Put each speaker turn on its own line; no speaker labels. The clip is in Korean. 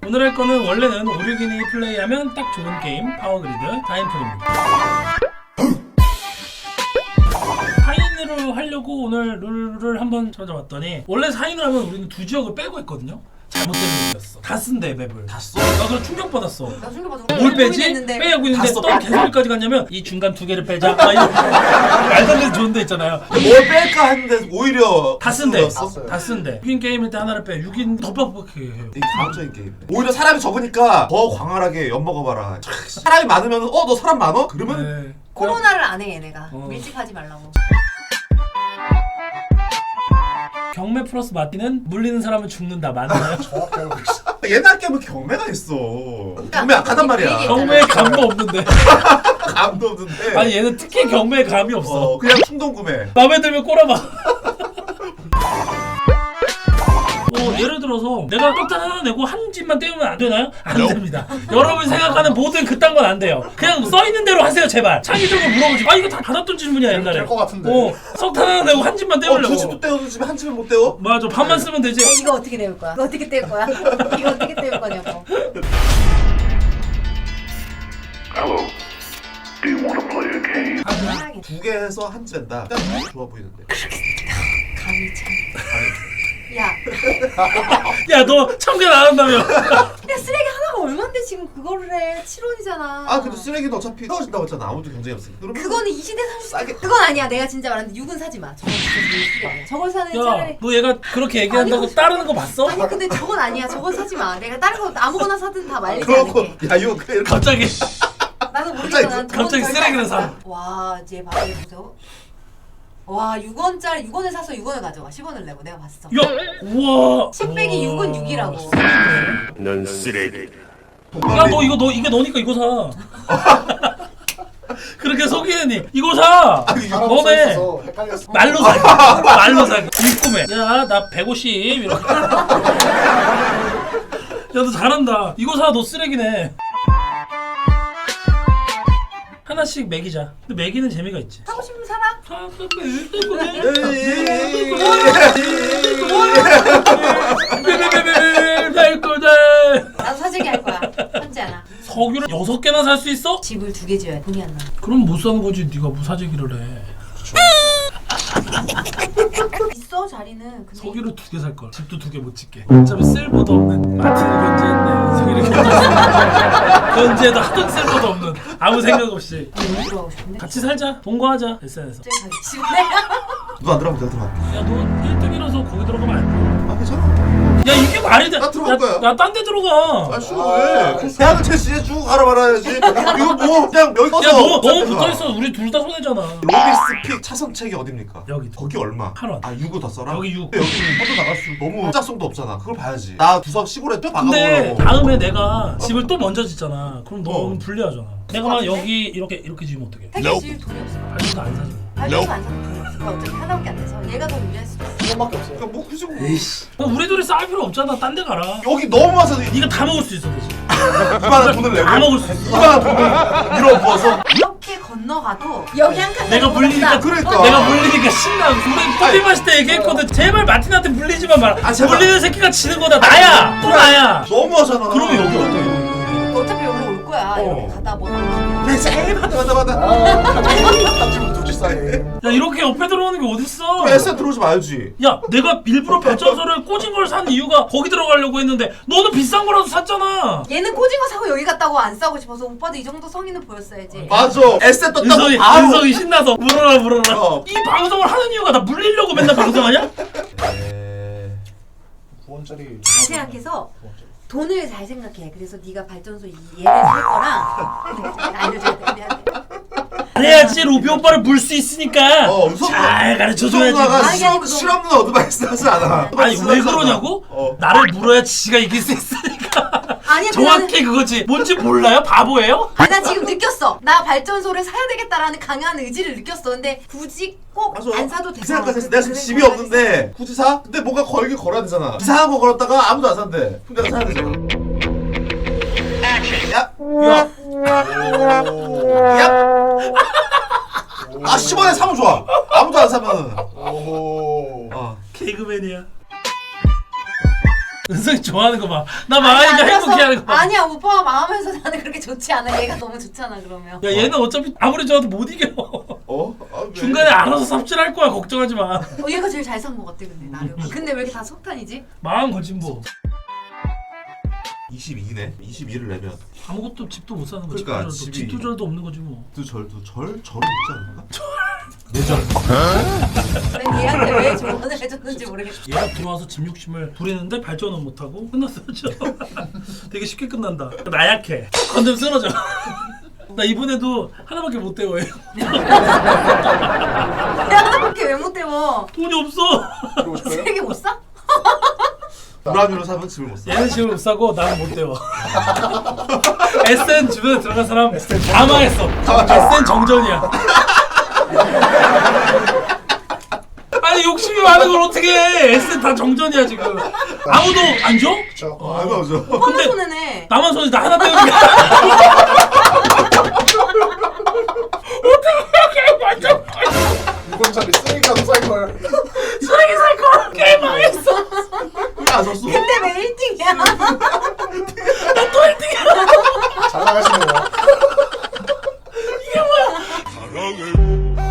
오늘 할 거는 원래는 5, 6인이 플레이하면 딱 좋은 게임 파워그리드 타임풀입니다. 4인으로 하려고 오늘 룰을 한번 찾아봤더니 원래 4인을 하면 우리는 2지역을 빼고 했거든요. 잘못된 룰이었어. 다 쓴대 맵을.
다 써?
나 그럼 충격받았어.
나 충격받아.
뭘 빼지? 빼고 있는데
써.
또 개소리까지 갔냐면 이 중간 2개를 빼자. 막 이런 말도 안 되는 좋은 데 있잖아요.
뭘 뺄까 했는데 오히려
다 쓴대.
썼어.
다 쓴대. 6인 게임일 때 하나를 빼. 6인 더 빡빡하게 해요.
이 다음적인 게임. 오히려 사람이 적으니까 더 광활하게 엿먹어봐라. 사람이 많으면 너 사람 많어? 그러면
네.
코로나를 안 해 얘네가.
어.
밀집하지 말라고.
경매 플러스 마티는 물리는 사람은 죽는다. 맞나요?
옛날 게임은 경매가 있어. 경매 약하단 말이야.
경매에 감도 없는데.
감도 없는데.
아니 얘는 특히 경매에 감이 없어.
그냥 충동 구매.
마음에 들면 꼬라봐. 예를 들어서 내가 떡탄 하나 내고 한 집만 떼우면 안 되나요? 안 됩니다. 여러분이 생각하는 모든 그딴 건 안 돼요. 그냥 써있는 대로 하세요 제발. 창의적으로 물어보지. 아 이거 다 받았던 질문이야 옛날에.
될 것 같은데.
석탄 하나 내고 한 집만 떼우려고.
두 집도 떼어준 집에 한 집을 못 떼어?
맞아 반만 쓰면 되지.
야, 이거 어떻게 때울 거야? 이거 어떻게 때울 거야? 이거 어떻게 때울 거냐고.
Hello. Do you want to play a game?
편하게.
두 개 해서 한 집 낸다. 그냥 좋아 보이는데.
감이 참. 야,
야 너 참견 안 한다며.
야 쓰레기 하나가 얼만데 지금 그거를 해? 7원이잖아.
아 근데 쓰레기는 어차피 떨어진다고 했잖아. 아무도 경쟁이 없으니까. 그러면
그거는 이 시대 사실
싸게.
그건 아니야. 내가 진짜 말하는데 6은 사지 마. 저건 진짜 밀수가 아니야. 저걸 사는
야
차라리.
너 얘가 그렇게 얘기한다고
아니,
따르는 거 봤어?
아니 근데 저건 아니야. 저건 사지 마. 내가 다른 거 아무거나 사든 다 말리지
그렇고
않을게.
야 이거 그냥 이렇게
갑자기
나도 모르겠어. 난 저건
갑자기
절대
쓰레기를
안
사.
와, 이제 봐봐 보세요. 와, 6원짜리 6원을 사서 6원을 가져가. 10원을 내고 내가 봤어.
야 우와.
10 빼기 6은 6이라고.
넌 쓰레기.
야너 이게 너니까 이거 사. 그렇게 속이느니 이거 사.
사람
너네
써있어서 헷갈렸어.
말로 사. 말로 사. 입구매. 야나 150 이렇게. 야너 잘한다. 이거 사. 너 쓰레기네. 하나씩 매기자. 근데 매기는 재미가 있지.
사고 싶으면 사라. 나도 사재기 할 거야. 현지 하나.
석유를 6개나 살 수 있어?
집을 2개 지어야 돼. 돈이 안 나.
그럼 못 사는 거지. 네가 무사재기를 해.
있어 자리는. 근데
석유를 2개 살 걸. 집도 2개 못 짓게. 어차피 쓸모도 없는 마틴을 견제했네. 석유를 견제해도 하던 쓸모도 없는. 아무 생각 없이.
못 들어가고 싶은데.
같이 살자. 동거하자. SNS에서.
갑자기 가기 싫네.
누가 안 들어가면 내가 들어가.
야 너 1등이라서 거기 들어가면 안
아 괜찮아.
돼. 야 이게 말이 돼.
나 들어갈 거야.
야딴 데 들어가.
아 싫어 왜? 대학은 체스에 쭉 가라 말아야지. 이거 뭐 그냥 여기
야
써서.
너 너무 붙어있어. 우리 둘 다 손해잖아.
로비스픽 차선책이 어딥니까?
여기.
거기 얼마?
8원.
아 6을 더 써라?
여기 6.
근데 여기는 뻗어 나갈 수 너무 짝성도 없잖아. 그걸 봐야지. 나 구석 시골에 또
근데
박아보려고.
다음에 내가 집을 또 먼저 짓잖아. 그럼 너
어.
불리하잖아. 내가 막 여기 이렇게 지으면 어떡해?
택시 지을 돈이 없어.
발전도 안 사지.
발전도 안 사는 돈이 없어. 어차피 하나밖에 안 돼서 얘가 더 유리할 수도 있어.
이것밖에 없어요.
그러니까 뭐 굳이 뭐.
그럼 우리 둘이 싸울 필요 없잖아. 딴 데 가라.
여기 너무 와서
네가 다 먹을 수 있어 대신.
이만한 돈을 내고
다 먹을 수 있어.
이만한 돈을 밀어 부어서
이렇게 건너가도 여기 한 칸.
내가 물리니까
그러니까.
내가 물리니까 신나. 우리 커피 마실 때 얘기했거든. 제발 마틴한테 물리지만 마라.
아, 제발.
물리는 새끼가 지는 거다. 나야. 또 나야.
너무 하잖아.
그러면 여기 어때?
어차피 여기로 올 거야. 이렇게 가다 뭐.
그래 제일 받아.
땀집을 두지 싸게.
야 이렇게 옆에 들어오는 게 어딨어?
그럼 SM 들어오지 말지.
야 내가 일부러 발전소를 꽂은 걸 산 이유가 거기 들어가려고 했는데 너는 비싼 거라도 샀잖아.
얘는 꼬징어 사고 여기 갔다고 안 싸고 싶어서 오빠도 이 정도 성의는 보였어야지.
맞아. SM 떴다고
은성이
바로.
신나서 물어라.
어.
이 방송을 하는 이유가 나 물리려고 맨날 방송하냐?
9원짜리.
잘 생각해서 돈을 잘 생각해. 그래서 네가 발전소 얘를 살 거랑 알려줘야 돼. 미안해.
그래야지 로비 오빠를 물 수 있으니까 잘 가르쳐줘야지.
누나가
아니, 아니,
실없는 어드바이스 하지 않아.
아니 왜 그러냐고? 나를 물어야 지가 이길 수 있으니까.
아니야,
정확히 그거지. 뭔지 몰라요? 바보예요?
아니, 나 지금 느꼈어. 나 발전소를 사야 되겠다라는 강한 의지를 느꼈어. 근데 굳이 꼭 안 사도
그
되잖아.
생각까지 했어. 내가 지금 집이 없는데 굳이 사? 근데 뭔가 걸긴 걸어야 되잖아. 이상한 거 걸었다가 아무도 안 산대. 그럼 내가 사야 되잖아. 야!
야,
야! 아 10원에 사면 좋아. 아무도 안 사면.
오.
개그맨이야. 은성이 좋아하는 거 봐. 나 망하니까
아니,
행복해하는 거 봐.
아니야 오빠가 망하면서 나는 그렇게 좋지 않아. 얘가 너무 좋잖아 그러면.
야 얘는 어차피 아무리 좋아도 못 이겨.
왜?
중간에 알아서 삽질할 거야. 걱정하지 마.
얘가 제일 잘 산 거 같아 근데 나를. 근데 왜 이렇게 다 석탄이지?
망한 거지 뭐.
22네. 22를 내면
아무것도 집도 못 사는 거지.
그러니까
집도
집이-
집도절도 없는 거지 뭐.
절은 있지 않을까? 내절.
난 얘한테 왜 조언을 해줬는지 모르겠어.
얘가 들어와서 집 욕심을 부리는데 발전은 못하고 끝났어요. 되게 쉽게 끝난다. 나약해. 건드면 쓰러져. 나 이번에도 하나밖에 못 때워요.
하나밖에 왜 못 때워?
돈이 없어.
그러고 싶어요?
3개 못 사?
불안으로 사면 집을 못 사.
얘는 집을 못 사고 나는 못 때워. SN 주변에 들어간 사람 다 망했어. SN 정전이야. 아니 욕심이 많은 걸 어떻게 해. SN 다 정전이야 지금. 아무도 안 줘?
그쵸.
알바 오죠.
오빠만 손해네.
나만 손에 나 하나 때우는 게 어떻게 완전
6원짜리 쓰레기라도 살걸.
쓰레기 살걸 게임 망했어.
왜안 샀어?
근데 왜 1등이야?
나 또 1등이야.
잘 나가시네요.
이게 뭐야?